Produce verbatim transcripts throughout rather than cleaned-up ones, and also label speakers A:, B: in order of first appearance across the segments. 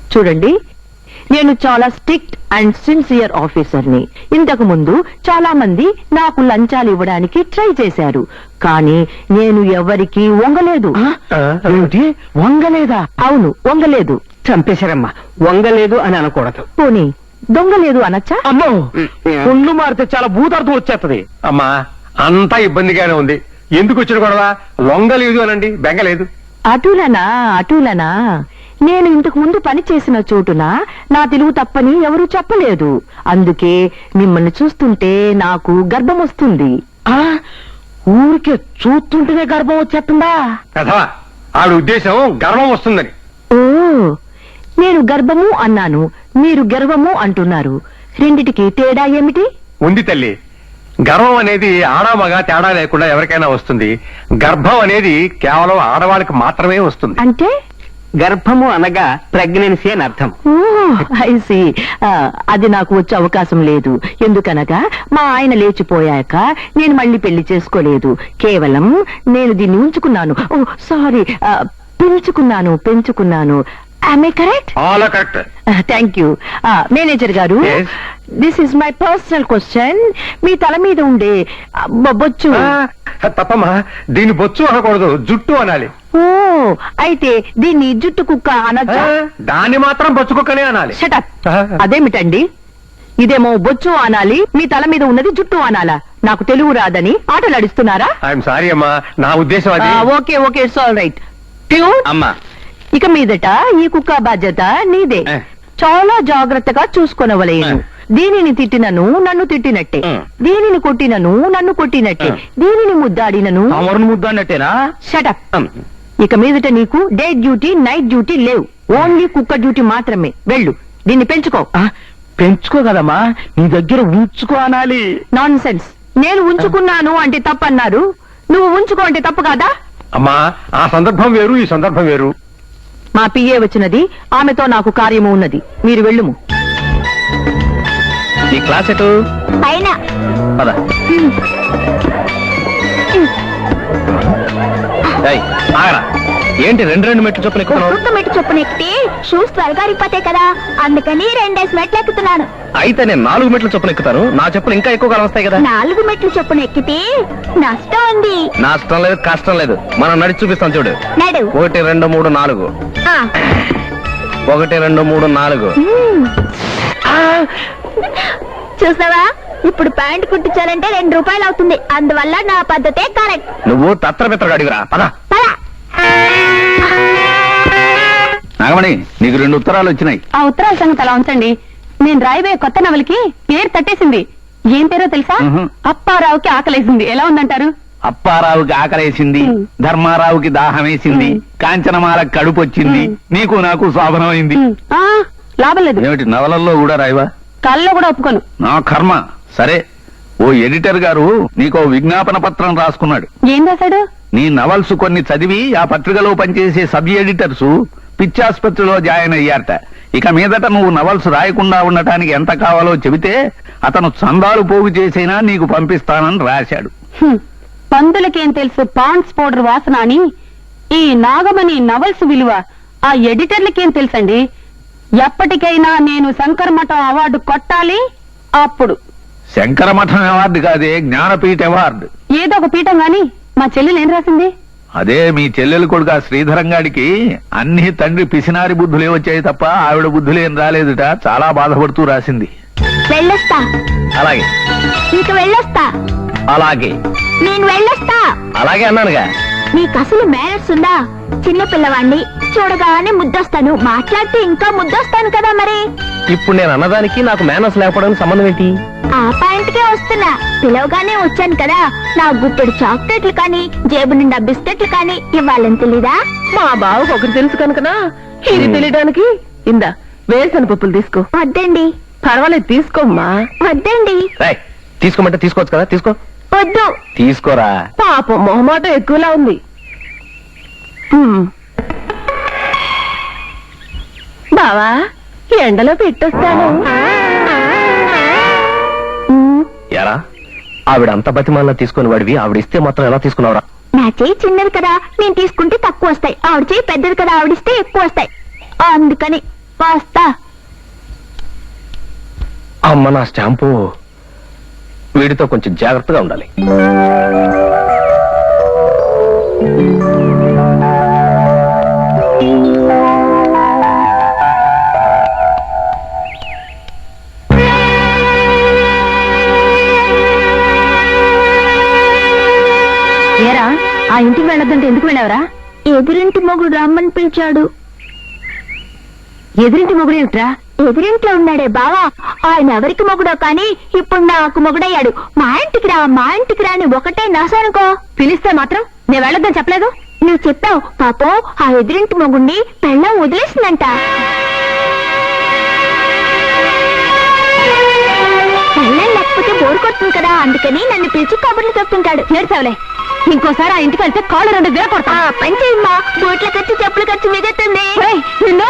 A: చూడండి, నేను చాలా స్ట్రిక్ట్ అండ్ సిన్సియర్ ఆఫీసర్ని. ఇంతకు ముందు చాలా మంది నాకు లంచాలు ఇవ్వడానికి ట్రై చేశారు, కానీ నేను ఎవరికి వంగలేదు.
B: వంగలేదా?
A: అవును, వంగలేదు.
B: చంపేశారమ్మా. వంగలేదు అని అనకూడదు.
A: పోనీ దొంగలేదు అనొచ్చా?
B: అమ్మో, ఒళ్ళు మారితే చాలా భూతార్థం వచ్చేస్తది.
C: అమ్మా, అంతా ఇబ్బందిగానే ఉంది. ఎందుకు వచ్చిన గొడవ? లొంగలేదు అనండి, బెంగలేదు.
A: అటులనా అటులనా నేను ఇంతకు ముందు పని చేసిన చోటున నా తెలుగు తప్పని ఎవరూ చెప్పలేదు. అందుకే మిమ్మల్ని చూస్తుంటే నాకు గర్భం వస్తుంది.
B: ఆ ఊరికే చూస్తుంటేనే గర్భం వచ్చేస్తుందా?
C: కథవా, ఆవిడ ఉద్దేశం గర్వం వస్తుందని.
A: ఓ, నేను గర్భము అన్నాను, మీరు గర్వము అంటున్నారు. రెండిటికి తేడా ఏమిటి?
C: ఉంది తల్లి. గర్వం అనేది ఆడా మగ తేడా లేకుండా ఎవరికైనా వస్తుంది. గర్భం అనేది కేవలం ఆడవాళ్ళకి మాత్రమే వస్తుంది.
A: అంటే
B: గర్భము అనగా ప్రెగ్నెన్సీ అని అర్థం.
A: Oh, I see. అది నాకు వచ్చే అవకాశం లేదు. ఎందుకనగా మా ఆయన లేచిపోయాక నేను మళ్ళీ పెళ్లి చేసుకోలేదు. కేవలం నేను దీన్ని ఉంచుకున్నాను. ఓ సారీ, పెంచుకున్నాను పెంచుకున్నాను Am I correct?
C: All correct.
A: Thank you. Manager గారు,
C: Yes.
A: This is my personal question. మీ తల మీద ఉండే బ- బొచ్చు.
C: తప్పమ్మా, దీన్ని బొచ్చు అనకూడదు, జుట్టు అనాలి.
A: ఓ, అయితే దీన్ని జుట్టు కుక్క అనొచ్చా?
C: ఆ, దాన్ని మాత్రం బొచ్చుకుక్కనే అనాలి.
A: షటప్.
C: ఆ.
A: అదేమిటండి? ఇదేమో బొచ్చు అనాలి, మీ తల మీద ఉన్నది జుట్టు అనాలా? నాకు తెలుగు రాదని ఆటలాడిస్తున్నారా?
C: ఐఎమ్ సారీ అమ్మా, నా ఉద్దేశం అది.
A: Okay okay, it's all right. Tune.
B: అమ్మా,
A: ఇక మీదట ఈ కుక్క బాధ్యత నీదే.
C: ఏ.
A: చాలా జాగ్రత్తగా చూసుకొనవలేను. దీనిని తిట్టినను నన్ను తిట్టినట్టే,
B: ఏ.
A: దీనిని కొట్టినను నన్ను కొట్టినట్టే,
B: ఏ.
A: దీనిని ముద్దాడినను.
B: అమరుని ముద్దు అన్నట్టేనా?
A: షటప్. ఇక మీదట నీకు డే డ్యూటీ నైట్ డ్యూటీ లేవు. ఓన్లీ కుక్క డ్యూటీ మాత్రమే. వెళ్ళు, దీన్ని పెంచుకో.
B: ఆ, పెంచుకో కదమ్మా, నీ దగ్గర ఉంచుకో అనాలి.
A: Nonsense. నేను ఉంచుకున్నాను అంటే తప్పన్నారు, నువ్వు ఉంచుకో అంటే తప్పు కాదా?
C: అమ్మా, ఆ సందర్భం వేరు, ఈ సందర్భం వేరు.
A: మా పిఏ వచ్చినది, ఆమెతో నాకు కార్యము ఉన్నది. మీరు వెళ్ళుము.
B: నీ క్లాస్ ఎటు?
A: పైన.
B: పద. ఏయ్, ఆగరా. ఏంటి రెండు రెండు మెట్లు చొప్పున ఎక్కుతున్నావు?
D: ఒక్కొక్క మెట్టు చొప్పున ఎక్కితే షూస్ త్వరగా అరిగిపోతాయి కదా, అందుకని రెండేసి మెట్లు ఎక్కుతున్నాను.
B: అయితే నేను నాలుగు మెట్లు చొప్పున ఎక్కుతాను, నా చెప్పులు ఇంకా ఎక్కువ కాలం వస్తాయి కదా.
D: నాలుగు మెట్లు చొప్పున ఎక్కితే నష్టం ఉంది.
B: నష్టం లేదు, కష్టం లేదు. మనం నడిచి చూపిస్తాం చూడు.
D: నడు.
B: ఒకటి రెండు మూడు నాలుగు.
D: ఆ.
B: ఒకటి రెండు మూడు నాలుగు.
D: మ్మ్. చూసావా, ఇప్పుడు ప్యాంట్ కుట్టించాలంటే రెండు రూపాయలు అవుతుంది. అందువల్ల నా పద్ధతే కరెక్ట్.
B: నువ్వు తత్రపిత్రగా అడిగిరా. పద.
D: పద.
B: నాగమణి, నీకు రెండు ఉత్తరాలు వచ్చినాయి.
A: ఆ ఉత్తరాల సంగతి అలా ఉంచండి. నేను రాయబోయే కొత్త నవలకి పేరు తట్టేసింది. ఏం పేరో తెలుసా?
B: మ్హూ.
A: అప్పారావుకి ఆకలేసింది. ఎలా ఉందంటారు?
B: అప్పారావుకి ఆకలేసింది,
A: మ్.
B: ధర్మారావుకి దాహం వేసింది,
A: మ్.
B: కాంచనమాలకు కడుపు వచ్చింది,
A: మ్.
B: నీకు నాకు శోభనమైంది.
A: ఆ, లాభం లేదు.
B: ఏమిటి నవలల్లో కూడా రాయవా?
A: కల్లో కూడా ఒప్పుకోను.
B: నా కర్మ. సరే, ఓ ఎడిటర్ గారు నీకో విజ్ఞాపన పత్రం రాసుకున్నాడు.
A: ఏం రాశాడు?
B: నీ నవల్స్ కొన్ని చదివి ఆ పత్రికలో పనిచేసే సబ్ ఎడిటర్స్ పిచ్చాసుపత్రిలో జాయిన్ అయ్యారట. ఇక మీదట నువ్వు నవల్స్ రాయకుండా ఉండటానికి ఎంత కావాలో చెబితే అతను చందాలు పోగు చేసైనా నీకు పంపిస్తానని రాశాడు.
A: హ్మ్. పందులకేం తెలుసు పాండ్స్ పౌడర్ వాసన అని. ఈ నాగమణి నవల్స్ విలువ ఆ ఎడిటర్లకేం తెలుసండి? ఎప్పటికైనా నేను శంకర మఠం అవార్డు కొట్టాలి. అప్పుడు
B: శంకరమఠం అవార్డు కాదే, జ్ఞానపీఠ అవార్డు.
A: ఏదో ఒక పీఠం గాని మా చెల్లెలు ఏం రాసింది?
B: అదే మీ చెల్లెలు కొడుకు ఆ శ్రీధరంగాడికి అన్ని తండ్రి పిసినారి బుద్ధులే వచ్చాయి తప్ప ఆవిడ బుద్ధులేం రాలేదుట. చాలా బాధపడుతూ రాసింది.
D: వెళ్ళొస్తా.
B: అలాగే
D: ఇంక వెళ్ళొస్తా.
B: అలాగే
D: నేను వెళ్ళొస్తా.
B: అలాగే అన్నానుగా.
D: నీకు అసలు మేనర్స్ ఉందా? చిన్న పిల్లవాణ్ణి చూడగానే ముద్దొస్తాను, మాట్లాడితే ఇంకా ముద్దొస్తాను కదా. మరి
B: ఇప్పుడు నేను అన్నదానికి నాకు మేనస్ లేకపోవడానికి సంబంధం ఏంటి?
D: ఆ పాయింట్కే వస్తున్నా. పిలవగానే వచ్చాను కదా, నా గుప్పెడు చాక్లెట్లు కానీ జేబు నిండా బిస్కెట్లు కానీ ఇవ్వాలని తెలీదా?
A: మా బావకు ఒకటి తెలుసు కనుకనా ఇది తెలియడానికి. ఇందా వేరుశన పప్పులు తీసుకో.
D: వద్దండి.
A: పర్వాలేదు, తీసుకోమ్మా.
D: వద్దండి.
B: రేయ్, తీసుకోమంటే తీసుకోవచ్చు కదా, తీసుకో.
D: వద్దు.
B: తీసుకోరా.
A: పాపం మొహమాట ఎక్కువలా ఉంది. హ్మ్. బావా, ఎండలో పెట్టొస్తాను. హ్మ్.
B: ఎరా, ఆవిడ అంత బతిమాల తీసుకుని వాడివి ఆవిడిస్తే మాత్రం ఎలా తీసుకున్నావురా?
D: నా చెయ్యి చిన్నది కదా, నేను తీసుకుంటే తక్కువ వస్తాయి. ఆవిడ చెయ్యి పెద్దది కదా, ఆవిడిస్తే ఎక్కువ వస్తాయి. అందుకని వస్తా.
C: అమ్మ నా స్టాంపు వీడితో కొంచెం జాగ్రత్తగా ఉండాలి.
A: ఏరా ఆ ఇంటికి వెళ్ళొద్దంటే ఎందుకు వెళ్ళావరా?
D: ఎదురింటి మొగుడు రమ్మని పిలిచాడు.
A: ఎదురింటి మొగుడు ఏమిట్రా?
D: ఎదురింట్లో ఉన్నాడే బావా, ఆయన ఎవరికి మొగుడో కానీ ఇప్పుడు నాకు మొగుడయ్యాడు. మా ఇంటికి రా మా ఇంటికి రా అని ఒకటే నాసానుకో.
A: పిలిస్తే మాత్రం నేను వెళ్ళొద్దని చెప్పలేదు.
D: నువ్వు చెప్పావు పాపం ఆ ఎదురింటి మొగుడిని పెళ్ళం వదిలేసిందంట. పెళ్ళం లేకపోతే బోరు కొడుతుంది కదా, అందుకని నన్ను పిలిచి కబుర్లు చెప్తుంటాడు.
A: ఏడ్చావులే, ఇంకోసారి ఆ ఇంటికి వెళ్తే కాళ్ళు రెండు వేల కొడతా.
D: ఆ పని చేయమ్మా, బోట్ల ఖర్చు చెప్పుల ఖర్చు మిగుతుంది.
A: ఏయ్, నిన్ను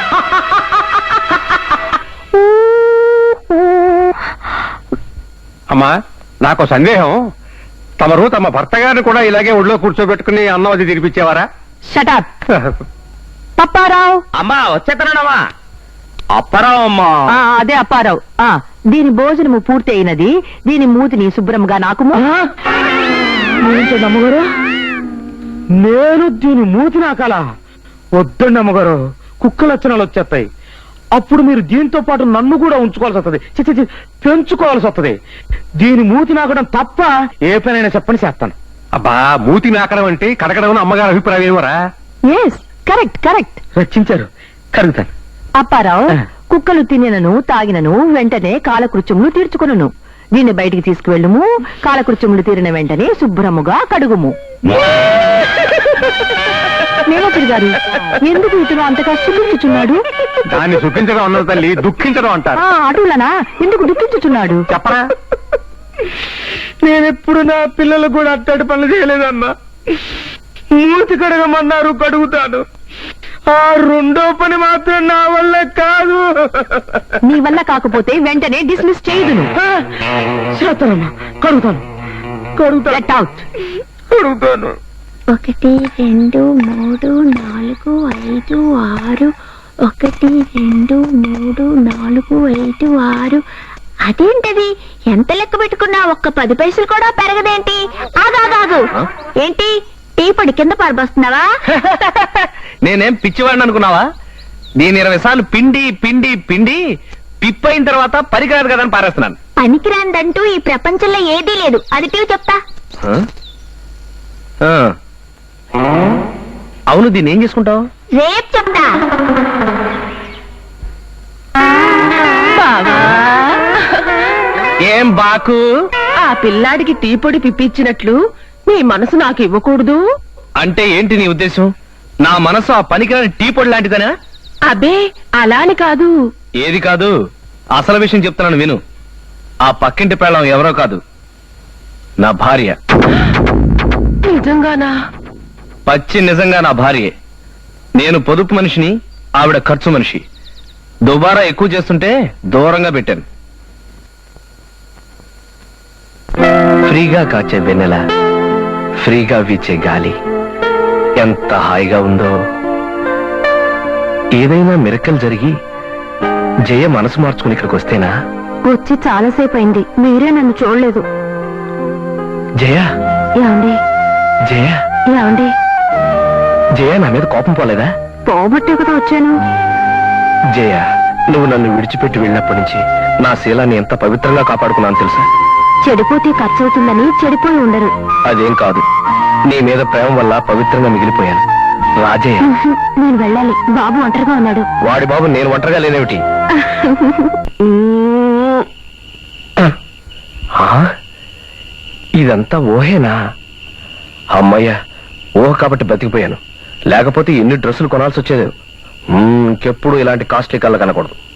C: అమ్మా నాకు సందేహం, తమరు తమ భర్త గారిని కూడా ఇలాగే ఒళ్ళో కూర్చోబెట్టుకుని అన్నం అది తినిపించేవారా?
A: షటప్ పప్పారావు.
B: అమ్మా వచ్చేతనమ్మా. అప్పరావు అమ్మా.
A: ఆ, అదే అప్పారావు. ఆ దీని భోజనము పూర్తి అయినది. దీని మూతిని శుభ్రంగా నాకు
E: అమ్మగారు, నేను దీని మూతి నాకాల వద్దండి అమ్మగారు, కుక్క లక్షణాలు వచ్చేస్తాయి. అప్పుడు మీరు దీంతో పాటు నన్ను కూడా ఉంచుకోవాల్సి వస్తుంది, చి, చి, చి, పెంచుకోవాల్సి వస్తుంది. దీని మూతి నాకడం తప్ప ఏ పనైనా చెప్పని చేస్తాను.
C: అబ్బా మూతి నాకడం అంటే కడగడం అమ్మగారి అభిప్రాయం ఏమరా?
A: ఎస్ కరెక్ట్ కరెక్ట్
E: రక్షించారు, కరుగుతాను.
A: అప్పారావు, కుక్కలు తినినను తాగినను వెంటనే కాలకృత్యములు తీర్చుకొనును. దీన్ని బయటికి తీసుకువెళ్ళుము. కాలకృత్యములు తీరిన వెంటనే శుభ్రముగా కడుగుము. మేనేజర్ గారు, ఎందుకు ఇతను అంతగా సుఖించుచున్నాడు?
C: దాన్ని సుఖించడం అన్నది తల్లి, దుఃఖించడం అంటారు.
A: ఆ అటులనా ఎందుకు దుఃఖించుచున్నాడు?
C: చెప్పరా?
E: నేనెప్పుడు నా పిల్లలు కూడా అట్టడి పనులు చేయలేదమ్మా. మూతి కడగమన్నారు, కడుగుతాను. ఆ రెండో పని మాత్రం నా వల్ల కాదు.
A: నీ వల్ల కాకపోతే వెంటనే డిస్మిస్ చేయదును.
E: చేస్తానమ్మా, కడుగుతాను కడుగుతాను
A: గెట్ అవుట్.
E: కడుగుతాను.
D: ఒకటి రెండు మూడు నాలుగు ఐదు ఆరు, ఒకటి రెండు మూడు నాలుగు ఐదు ఆరు. అదేంటది, ఎంత లెక్క పెట్టుకున్నా ఒక్క పది పైసలు కూడా పెరగదేంటి? ఆగాగాగు, ఏంటి టీ పొడి కింద పడబోస్తున్నావా?
B: నేనేం పిచ్చివాడిని అనుకున్నావా? దీని ఇరవై సార్లు పిండి పిండి పిండి పిప్పైన తర్వాత పరికరాదు కదా అని పారేస్తున్నాను.
D: పనికిరాందంటూ ఈ ప్రపంచంలో ఏదీ లేదు. అది టీవి చెప్తా.
B: ఆ? ఆ. అవును, దీన్ని ఏం చేసుకుంటావు?
D: రేపు చెప్తా.
A: బావా,
B: ఏం బాకు?
A: ఆ పిల్లాడికి టీ పొడి పిప్పించినట్లు నీ మనసు నాకు ఇవ్వకూడదు
B: అంటే ఏంటి నీ ఉద్దేశం? నా మనసు ఆ పనికిరాని టీ పొడి లాంటిదనా?
A: అబే అలాని కాదు.
B: ఏది కాదు? అసలు విషయం చెప్తున్నాను విను. ఆ పక్కింటి పెళ్ళం ఎవరో కాదు, నా భార్య.
A: నిజంగానా?
B: పచ్చి నిజంగా నా భార్యే. నేను పొదుపు మనిషిని, ఆవిడ ఖర్చు మనిషి. దుబారా ఎక్కువ చేస్తుంటే దూరంగా పెట్టాను. ఫ్రీగా కాచే వెన్నెల, ఫ్రీగా వీచే గాలి ఎంత హాయిగా ఉందో. ఏదైనా మిరకల్ జరిగి జయ మనసు మార్చుకుని ఇక్కడికి వస్తేనా?
A: వచ్చి చాలాసేపు అయింది, మీరే నన్ను చూడలేదు.
B: జయ,
A: ఏమండి
B: జయ,
A: ఏమండి?
B: జయ నా మీద కోపం పోలేదా?
A: పోబట్టే కదా వచ్చాను.
B: జయ, నువ్వు నన్ను విడిచిపెట్టి వెళ్ళినప్పటి నుంచి నా శీలాన్ని ఎంత పవిత్రంగా కాపాడుకున్నాను తెలుసా?
A: చెడిపోతే ఖర్చు అవుతుందని చెడిపోయి ఉండరు.
B: అదేం కాదు, నీ మీద ప్రేమ వల్ల పవిత్రంగా మిగిలిపోయాను. రాజయ్య,
A: నేను వెళ్ళాలి, బాబు ఒంటరిగా ఉన్నాడు.
B: వాడి బాబు నేను ఒంటరిగా లేనేమిటి? ఆ? ఇదంతా ఊహేనా? అమ్మయ్యా, ఊహ కాబట్టి బతికిపోయాను. లేకపోతే ఎన్ని డ్రెస్సులు కొనాల్సి వచ్చేది. ఇంకెప్పుడు ఇలాంటి కాస్ట్లీ కళ్ళ కనకూడదు.